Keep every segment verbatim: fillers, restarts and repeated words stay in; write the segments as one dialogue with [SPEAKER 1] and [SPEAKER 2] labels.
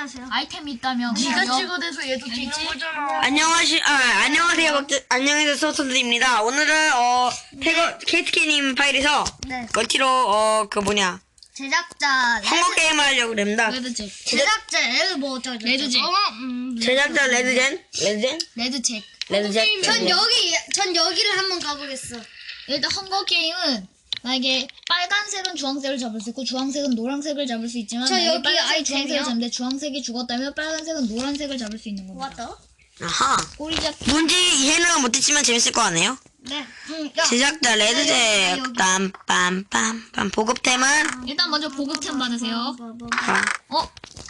[SPEAKER 1] 안녕하세요.
[SPEAKER 2] 아이템이 있다면
[SPEAKER 1] 네가
[SPEAKER 2] 그냥
[SPEAKER 1] 찍어대서 얘도 찍는 거잖아.
[SPEAKER 3] 안녕하시, 아, 안녕하세요, 박들, 안녕하세요, 소선들입니다. 오늘은, 어, 태거, 케이트케님 파일에서,
[SPEAKER 1] 네.
[SPEAKER 3] 멀티로, 어, 그 뭐냐,
[SPEAKER 1] 제작자
[SPEAKER 3] 한국 게임을 하려고 합니다.
[SPEAKER 2] 레드잭,
[SPEAKER 1] 제작자 레드 뭐 어쩌고 저쩌고.
[SPEAKER 2] 레드잭.
[SPEAKER 1] 어, 음,
[SPEAKER 3] 제작자 레드젠? 레드젠?
[SPEAKER 2] 레드잭.
[SPEAKER 3] 레드젠?
[SPEAKER 1] 전 여기 전 여기를 한번 가보겠어.
[SPEAKER 2] 일단 헝거 게임은 만약에 빨간색은 주황색을 잡을 수 있고 주황색은 노란색을 잡을 수 있지만
[SPEAKER 1] 저
[SPEAKER 2] 만약에
[SPEAKER 1] 여기
[SPEAKER 2] 빨간색이
[SPEAKER 1] 아이템이요?
[SPEAKER 2] 주황색을 잡는데 주황색이 죽었다면 빨간색은 노란색을 잡을 수 있는 겁니다.
[SPEAKER 1] 왔다.
[SPEAKER 3] 아하.
[SPEAKER 2] 꼬리잡.
[SPEAKER 3] 뭔지 이해는 못했지만 재밌을 것 같네요.
[SPEAKER 1] 네. 응. 야.
[SPEAKER 3] 제작자
[SPEAKER 1] 야,
[SPEAKER 3] 레드잭,
[SPEAKER 1] 여기.
[SPEAKER 3] 빰빰빰빰. 보급템은,
[SPEAKER 2] 일단 먼저 보급템 받으세요.
[SPEAKER 3] 아,
[SPEAKER 2] 어?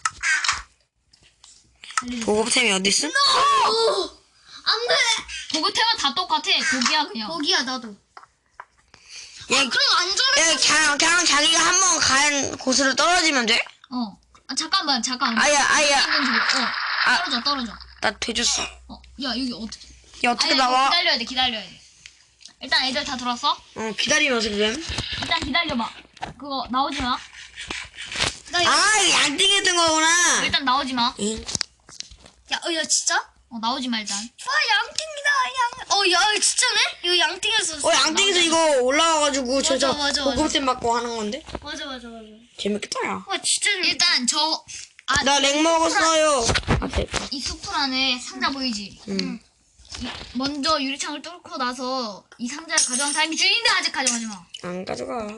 [SPEAKER 3] 보급템이 어딨어?
[SPEAKER 1] 안 돼.
[SPEAKER 2] 보급템은 다 똑같아. 고기야 그냥.
[SPEAKER 1] 거기야 나도.
[SPEAKER 3] 얘,
[SPEAKER 1] 그럼 안전해.
[SPEAKER 3] 얘, 그냥, 그냥 자기가 한 번 간 곳으로 떨어지면 돼?
[SPEAKER 2] 어. 아 잠깐만 잠깐.
[SPEAKER 3] 아야, 아야.
[SPEAKER 2] 있는지 모르- 어.
[SPEAKER 3] 아.
[SPEAKER 2] 떨어져 떨어져.
[SPEAKER 3] 나 돼줬어.
[SPEAKER 2] 어. 야 여기 어떻게?
[SPEAKER 3] 얘 어떻게
[SPEAKER 2] 아니,
[SPEAKER 3] 나와?
[SPEAKER 2] 기다려야 돼 기다려야 돼. 일단 애들 다 들었어?
[SPEAKER 3] 어, 기다리면 어떻게 됨?
[SPEAKER 2] 일단 기다려봐. 그거 나오지 마.
[SPEAKER 1] 나 야,
[SPEAKER 3] 아, 이거 양띵에 뜬 거구나.
[SPEAKER 2] 일단 나오지 마.
[SPEAKER 3] 응.
[SPEAKER 1] 야, 어, 야 진짜?
[SPEAKER 2] 어 나오지 마 일단.
[SPEAKER 1] 와 양띵이다 양. 어, 야 진짜네? 이거 양띵에서.
[SPEAKER 3] 어, 양띵에서 이거 올라와가지고
[SPEAKER 1] 맞아,
[SPEAKER 3] 저저
[SPEAKER 1] 맞아, 맞아.
[SPEAKER 3] 보급템 받고 하는 건데?
[SPEAKER 1] 맞아 맞아 맞아.
[SPEAKER 3] 재밌겠다, 야.
[SPEAKER 1] 와 진짜.
[SPEAKER 2] 일단 저 아,
[SPEAKER 3] 나 렉 먹었어요. 아, 네.
[SPEAKER 2] 이 수풀 안에 상자 보이지?
[SPEAKER 3] 응.
[SPEAKER 2] 이- 먼저 유리창을 뚫고 나서 이 상자를 가져간 사람이 주인인데 아직 가져가지 마.
[SPEAKER 3] 안 가져가.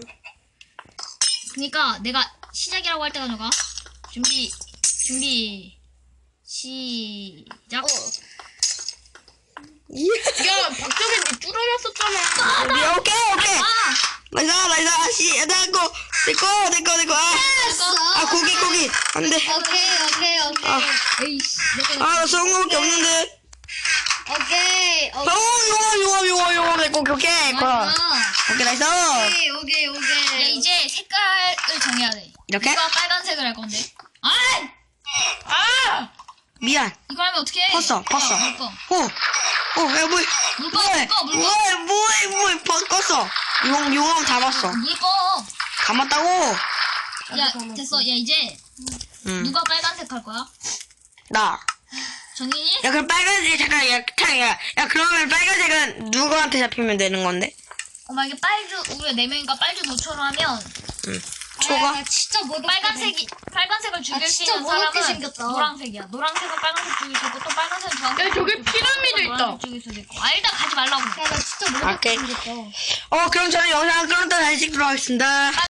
[SPEAKER 2] 그러니까 내가 시작이라고 할 때 가져가. 준비 준비 시작.
[SPEAKER 1] 야 박정현 니 뚫어놨었잖아.
[SPEAKER 3] 야, 오케이, 오케이. 나이스, 나이스. 씨, 내꺼, 내꺼, 내꺼, 내꺼. 아, 아, 고기, 고기. 안 돼.
[SPEAKER 1] 오케이 오케이 오케이
[SPEAKER 3] 아,
[SPEAKER 2] 에이씨. 내가
[SPEAKER 3] 아, 나 썩은 거밖에 없는데.
[SPEAKER 1] 오케이
[SPEAKER 3] 어,
[SPEAKER 1] 오케이
[SPEAKER 3] 용어, 용어, 용어, 용어. 내꺼, 오케이. 거.
[SPEAKER 2] 맞아.
[SPEAKER 3] 오케이, 나이스.
[SPEAKER 1] 오케이 오케이 오케이.
[SPEAKER 2] 야 이제 색깔을 정해야 돼.
[SPEAKER 3] 이렇게?
[SPEAKER 2] 누가 빨간색을 할 건데? 아! 아!
[SPEAKER 3] 미안.
[SPEAKER 2] 이거 하면 어떻게 해?
[SPEAKER 3] 컸어, 컸어.
[SPEAKER 2] 물꺼.
[SPEAKER 3] 어, 어, 야, 뭐,
[SPEAKER 2] 물꺼,
[SPEAKER 3] 뭐해,
[SPEAKER 2] 물꺼, 물꺼.
[SPEAKER 3] 뭐해, 뭐해, 뭐해, 버- 껐어. 용, 용암 다 봤어.
[SPEAKER 2] 물꺼.
[SPEAKER 3] 감았다고?
[SPEAKER 2] 야 됐어. 야 이제
[SPEAKER 3] 응.
[SPEAKER 2] 누가 빨간색 할 거야?
[SPEAKER 3] 나.
[SPEAKER 2] 정인이?
[SPEAKER 3] 야, 그럼 빨간색, 잠깐, 야, 탕, 야, 야, 그러면 빨간색은 누구한테 잡히면 되는 건데?
[SPEAKER 2] 어 만약에 빨주 우리가 네 명이니까 빨주 노초로 하면
[SPEAKER 3] 응.
[SPEAKER 1] 아,
[SPEAKER 3] 초가?
[SPEAKER 1] 나 진짜 뭐
[SPEAKER 2] 빨간색이 빨간색을 죽일
[SPEAKER 1] 아,
[SPEAKER 2] 수
[SPEAKER 1] 진짜
[SPEAKER 2] 있는
[SPEAKER 1] 무섭게
[SPEAKER 2] 사람은
[SPEAKER 1] 생겼다.
[SPEAKER 2] 노란색이야. 노란색은 빨간색 죽일 수 있고 또 빨간색은 주황색.
[SPEAKER 1] 야, 저기 피라미드 있다.
[SPEAKER 2] 노란색 죽일 수도 있고. 아 일단 가지 말라고.
[SPEAKER 1] 야나 진짜 뭐
[SPEAKER 3] 오케이.
[SPEAKER 1] 생겼다.
[SPEAKER 3] 어, 그럼 저는 영상 끊었다 다시 찍도록 하겠습니다.